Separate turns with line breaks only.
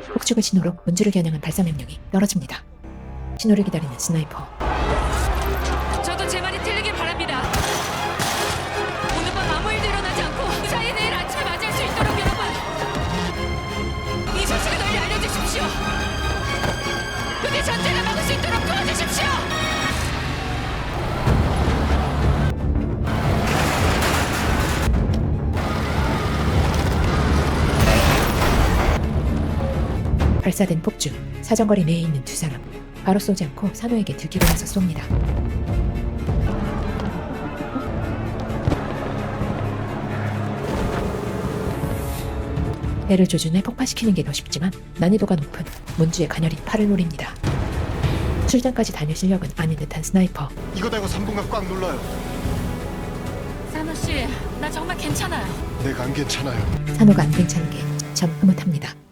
폭죽을 신호로 문주를 겨냥한 발사 명령이 떨어집니다. 신호를 기다리는 스나이퍼.
저도 제 말이 틀리길 바랍니다. 오늘 밤 아무 일도 일어나지 않고 무사히 내일 아침에 맞이할 수 있도록 여러분, 이 소식을 널리 알려주십시오. 부디 전쟁을 막을 수 있도록 도와주십시오.
발사된 폭죽, 사정거리 내에 있는 두 사람. 바로 쏘지 않고 산호에게 들키고 나서 쏩니다. 배를 조준해 폭파시키는 게 더 쉽지만 난이도가 높은 문주의 가녀린 팔을 노립니다. 출장까지 다닐 실력은 아닌 듯한 스나이퍼.
이거 달고 3분간 꽉 눌러요.
산호 씨, 나 정말 괜찮아요.
내가 안 괜찮아요.
산호가 안 괜찮은 게 참 흐뭇합니다.